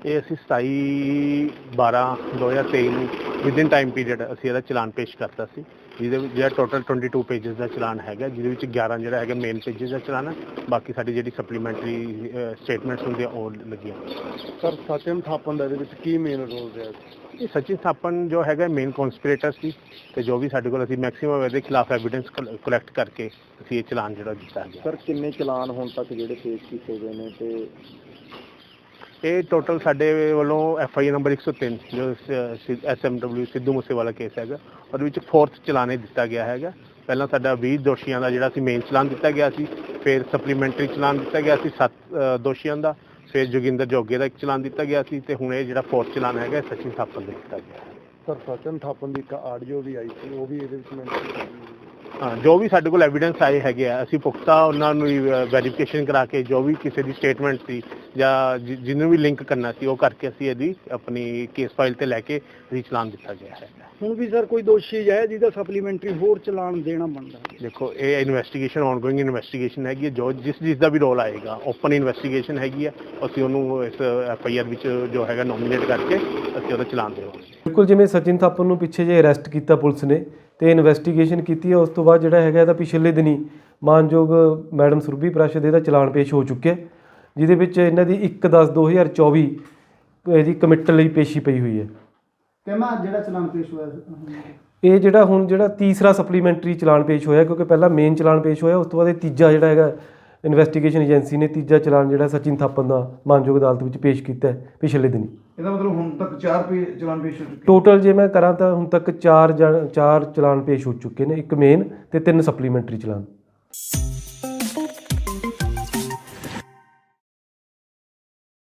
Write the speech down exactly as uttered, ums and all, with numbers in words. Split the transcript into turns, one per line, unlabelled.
ਇਹ ਅਸੀਂ ਸਤਾਈ ਬਾਰਾਂ ਦੋ ਹਜ਼ਾਰ ਤੇਈ ਨੂੰ ਵਿਦਿਨ ਟਾਈਮ ਪੀਰੀਅਡ ਅਸੀਂ ਇਹਦਾ ਚਲਾਨ ਪੇਸ਼ ਕਰਤਾ ਸੀ, ਜਿਹਦੇ ਵਿੱਚ ਜਿਹੜਾ ਟੋਟਲ ਟਵੈਂਟੀ ਟੂ ਪੇਜਸ ਦਾ ਚਲਾਨ ਹੈਗਾ, ਜਿਹਦੇ ਵਿੱਚ ਗਿਆਰਾਂ ਜਿਹੜਾ ਹੈਗਾ ਮੇਨ ਪੇਜਸ ਦਾ ਚਲਾਨ ਹੈ, ਬਾਕੀ ਸਾਡੀ ਜਿਹੜੀ ਸਪਲੀਮੈਂਟਰੀ ਸਟੇਟਮੈਂਟਸ ਹੁੰਦੀਆਂ ਉਹ ਲੱਗੀਆਂ।
ਸਰ ਸਚਿਨ ਥਾਪਨ ਦਾ ਇਹਦੇ ਵਿੱਚ ਕੀ ਮੇਨ ਰੋਲ ਰਿਹਾ?
ਇਹ ਸਚਿਨ ਥਾਪਨ ਜੋ ਹੈਗਾ ਮੇਨ ਕੌਂਸਪੀਰੇਟਰ ਸੀ, ਅਤੇ ਜੋ ਵੀ ਸਾਡੇ ਕੋਲ ਅਸੀਂ ਮੈਕਸੀਮਮ ਇਹਦੇ ਖਿਲਾਫ ਐਵੀਡੈਂਸ ਕਲੈਕਟ ਕਰਕੇ ਅਸੀਂ ਇਹ ਚਲਾਨ ਜਿਹੜਾ ਦਿੱਤਾ ਗਿਆ।
ਸਰ ਕਿੰਨੇ ਚਲਾਨ ਹੁਣ ਤੱਕ ਜਿਹੜੇ ਪੇਸ਼ ਕੀਤੇ ਗਏ ਨੇ, ਤੇ
ਇਹ ਟੋਟਲ ਸਾਡੇ ਵੱਲੋਂ ਐਫ ਆਈ ਆਰ ਨੰਬਰ ਇੱਕ ਸੌ ਤਿੰਨ ਜੋ S M W Sidhu Moosewala case ਹੈਗਾ, ਉਹਦੇ ਵਿੱਚ ਫੋਰਥ ਚਲਾਨ ਇਹ ਦਿੱਤਾ ਗਿਆ ਹੈਗਾ। ਪਹਿਲਾਂ ਸਾਡਾ ਵੀਹ ਦੋਸ਼ੀਆਂ ਦਾ ਜਿਹੜਾ ਸੀ ਮੇਨ ਚਲਾਨ ਦਿੱਤਾ ਗਿਆ ਸੀ, ਫਿਰ ਸਪਲੀਮੈਂਟਰੀ ਚਲਾਨ ਦਿੱਤਾ ਗਿਆ ਸੀ ਸੱਤ ਦੋਸ਼ੀਆਂ ਦਾ, ਫਿਰ ਜੋਗਿੰਦਰ ਜੋਗੇ ਦਾ ਇੱਕ ਚਲਾਨ ਦਿੱਤਾ ਗਿਆ ਸੀ, ਅਤੇ ਹੁਣ ਇਹ ਜਿਹੜਾ ਫੋਰਥ ਚਲਾਨ ਹੈਗਾ ਸਚਿਨ ਥਾਪਨ ਦਾ ਦਿੱਤਾ ਗਿਆ।
ਸਰ ਸਚਿਨ ਥਾਪਨ ਦੀ ਇੱਕ ਆਡੀਓ ਵੀ ਆਈ ਸੀ, ਉਹ ਵੀ ਇਹਦੇ ਵਿੱਚ ਮੈਂਸ਼ਨ?
ਹਾਂ, ਜੋ ਵੀ ਸਾਡੇ ਕੋਲ ਐਵੀਡੈਂਸ ਆਏ ਹੈਗੇ ਆ, ਅਸੀਂ ਪੁਖਤਾ ਉਹਨਾਂ ਨੂੰ ਵੈਰੀਫਿਕੇਸ਼ਨ ਕਰਾ ਕੇ ਜੋ ਵੀ ਕਿਸੇ ਦੀ ਸਟੇਟਮੈਂਟ ਸੀ ਜਾਂ ਜਿਹਨੂੰ ਵੀ ਲਿੰਕ ਕਰਨਾ ਸੀ ਉਹ ਕਰਕੇ ਅਸੀਂ ਇਹਦੀ ਆਪਣੀ ਕੇਸ ਫਾਈਲ 'ਤੇ ਲੈ ਕੇ ਅਸੀਂ ਚਲਾਨ ਦਿੱਤਾ ਗਿਆ ਹੈ।
ਹੁਣ ਵੀ ਸਰ ਕੋਈ ਦੋਸ਼ੀ ਹੈ ਜਿਹਦਾ ਸਪਲੀਮੈਂਟਰੀ ਹੋਰ ਚਲਾਨ ਦੇਣਾ ਬਣਦਾ?
ਦੇਖੋ, ਇਹ ਇਨਵੈਸਟੀਗੇਸ਼ਨ ਔਨਗੋਇੰਗ ਇਨਵੈਸਟੀਗੇਸ਼ਨ ਹੈਗੀ ਹੈ, ਜੋ ਜਿਸ ਜਿਸ ਦਾ ਵੀ ਰੋਲ ਆਏਗਾ ਓਪਨ ਇਨਵੈਸਟੀਗੇਸ਼ਨ ਹੈਗੀ ਹੈ, ਅਸੀਂ ਉਹਨੂੰ ਇਸ ਐਫ ਆਈ ਆਰ ਵਿੱਚ ਜੋ ਹੈਗਾ ਨੋਮੀਨੇਟ ਕਰਕੇ ਅਸੀਂ ਉਹਦਾ ਚਲਾਨ ਦੇਵਾਂਗੇ।
ਬਿਲਕੁਲ, ਜਿਵੇਂ ਸਚਿਨ ਥਾਪਨ ਨੂੰ ਪਿੱਛੇ ਜੇ ਅਰੈਸਟ ਕੀਤਾ ਪੁਲਿਸ ਨੇ ਤੇ ਇਨਵੈਸਟੀਗੇਸ਼ਨ ਕੀਤੀ ਹੈ, ਉਸ ਤੋਂ ਬਾਅਦ ਜਿਹੜਾ ਹੈਗਾ ਇਹਦਾ ਪਿਛਲੇ ਦਿਨੀ ਮਾਨਯੋਗ ਮੈਡਮ ਸੁਰਭੀ ਪ੍ਰਾਸ਼ਦ ਇਹਦਾ ਚਲਾਨ ਪੇਸ਼ ਹੋ ਚੁੱਕਿਆ, ਜਿਹਦੇ ਵਿੱਚ ਇਹਨਾਂ ਦੀ ਇੱਕ ਦਸ ਦੋ ਹਜ਼ਾਰ ਚੌਵੀ ਇਹਦੀ ਕਮਿਟਲ ਲਈ ਪੇਸ਼ੀ ਪਈ ਹੋਈ ਹੈ।
ਕਿਵੇਂ ਜਿਹੜਾ ਚਲਾਨ ਪੇਸ਼ ਹੋਇਆ?
ਇਹ ਜਿਹੜਾ ਹੁਣ ਜਿਹੜਾ ਤੀਸਰਾ ਸਪਲੀਮੈਂਟਰੀ ਚਲਾਨ ਪੇਸ਼ ਹੋਇਆ, ਕਿਉਂਕਿ ਪਹਿਲਾਂ ਮੇਨ ਚਲਾਨ ਪੇਸ਼ ਹੋਇਆ, ਉਸ ਤੋਂ ਬਾਅਦ ਇਹ ਤੀਜਾ ਜਿਹੜਾ ਹੈਗਾ ਇਨਵੈਸਟੀਗੇਸ਼ਨ ਏਜੰਸੀ ਨੇ ਤੀਜਾ ਚਲਾਨ ਜਿਹੜਾ ਸਚਿਨ ਥਾਪਨ ਦਾ ਮਾਨਯੋਗ ਅਦਾਲਤ ਵਿੱਚ ਪੇਸ਼ ਕੀਤਾ ਹੈ ਪਿਛਲੇ ਦਿਨੀ।
ਇਹਦਾ ਮਤਲਬ ਹੁਣ ਤੱਕ ਚਾਰ ਪੇ ਚਲਾਨ ਪੇਸ਼ ਹੋ ਚੁੱਕੇ?
ਟੋਟਲ ਜੇ ਮੈਂ ਕਰਾਂ ਤਾਂ ਹੁਣ ਤੱਕ ਚਾਰ ਚਾਰ ਚਲਾਨ ਪੇਸ਼ ਹੋ ਚੁੱਕੇ ਨੇ, ਇੱਕ ਮੇਨ ਤੇ ਤਿੰਨ ਸਪਲੀਮੈਂਟਰੀ ਚਲਾਨ।